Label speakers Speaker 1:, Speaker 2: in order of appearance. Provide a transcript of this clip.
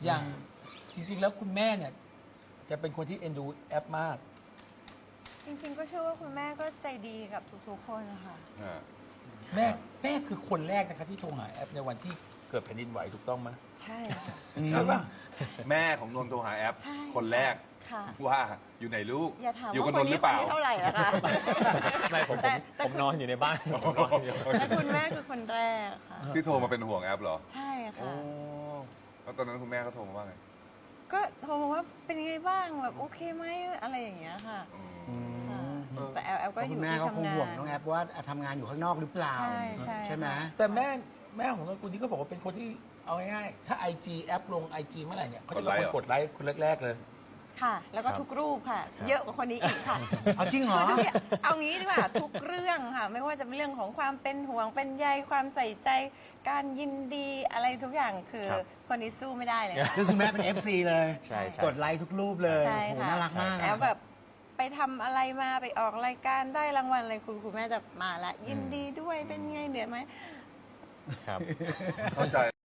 Speaker 1: อย่างจริงๆแล้วคุณแม่เนี่ยจะเป็นคนที่เอ็นดูแอปมาก
Speaker 2: จริงๆก็เชื่อว่าคุณแม่ก็ใจดีกับทุกๆคนนะคะ
Speaker 1: แม่คือคนแรกนะคะที่โทรหาแอปในวันที่เกิดแผ่นดินไหวถูกต้องไหม
Speaker 2: ใช่ค่ะ
Speaker 1: ใช่ป่ะ
Speaker 3: แม่ของนนท์โทรหาแอป
Speaker 2: ใช่
Speaker 3: คนแรก
Speaker 2: ค่ะ
Speaker 3: ว่าอยู่ไหนลูก
Speaker 2: อย่าถาม
Speaker 3: อยู่
Speaker 2: ว่า
Speaker 3: กับ
Speaker 2: คน น
Speaker 3: นท์ห
Speaker 2: นี้
Speaker 3: รือเปล่า
Speaker 2: คนที่เท่าไหร่อะคะ
Speaker 4: ไม่ผม
Speaker 2: แต่
Speaker 4: ผมนอนอยู่ในบ้านผมนอนอยู่
Speaker 2: แต่คุณแม่คือคนแรกค่ะ
Speaker 3: ที่โทรมาเป็นห่วงแอปเหรอ
Speaker 2: ใช่
Speaker 3: โอ้
Speaker 2: ค่ะ
Speaker 3: แล้วตอนนั้นคุณแม่เขาโทรมาว่าไง
Speaker 2: ก็โทรมาว่าเป็นไงบ้างแบบโอเคไหมอะไรอย่างเงี้ยค่ะค่ะแต่แอลก็อ
Speaker 5: คุ
Speaker 2: ยู่
Speaker 5: ณแม่
Speaker 2: ที่
Speaker 5: ก็คง
Speaker 2: ทำงา
Speaker 5: ห่วง
Speaker 2: น
Speaker 5: น้องแอปว่าทำงานอยู่ข้างนอกหรือเปล่า
Speaker 2: ใช่
Speaker 5: ไหม
Speaker 2: ค่ะ
Speaker 1: แต่แม่ของนนกุลนี่ก็บอกว่าเป็นคนที่เอาง่ายๆถ้า IG แอปลง IG เมื่อไหร่เนี่ยเขาจะเป็นคนกดไลค์คนแรกๆเลย
Speaker 2: ค่ะ แล้วก็ทุกรูปค่ะ เยอะกว่าคนนี้อีกค่ะ
Speaker 5: เอาจริงเหรอ
Speaker 2: คือทุกอย่างเอางี้ดีกว่าทุกเรื่องค่ะ ไม่ว่าจะเป็นเรื่องของความเป็นห่วงเป็นใยความใส่ใจ การยินดีอะไรทุกอย่างคือ
Speaker 4: ครับ
Speaker 2: คนนี้สู้ไม่ได้เลยค่ะ
Speaker 5: คือคุณแม่เป็น FC เลย
Speaker 4: ใช่ใช่
Speaker 5: กดไลค์ทุกรูปเลย
Speaker 2: ใช่
Speaker 5: โอ้โห
Speaker 2: ค่ะ
Speaker 5: น่ารักมาก
Speaker 2: แล้วแบบไปทำอะไรมาไปออกรายการได้รางวัลอะไรคุณแม่จะมาละยินดีด้วยเป็นไงเหนื่อยไหม
Speaker 4: ครับ
Speaker 3: เข้าใจ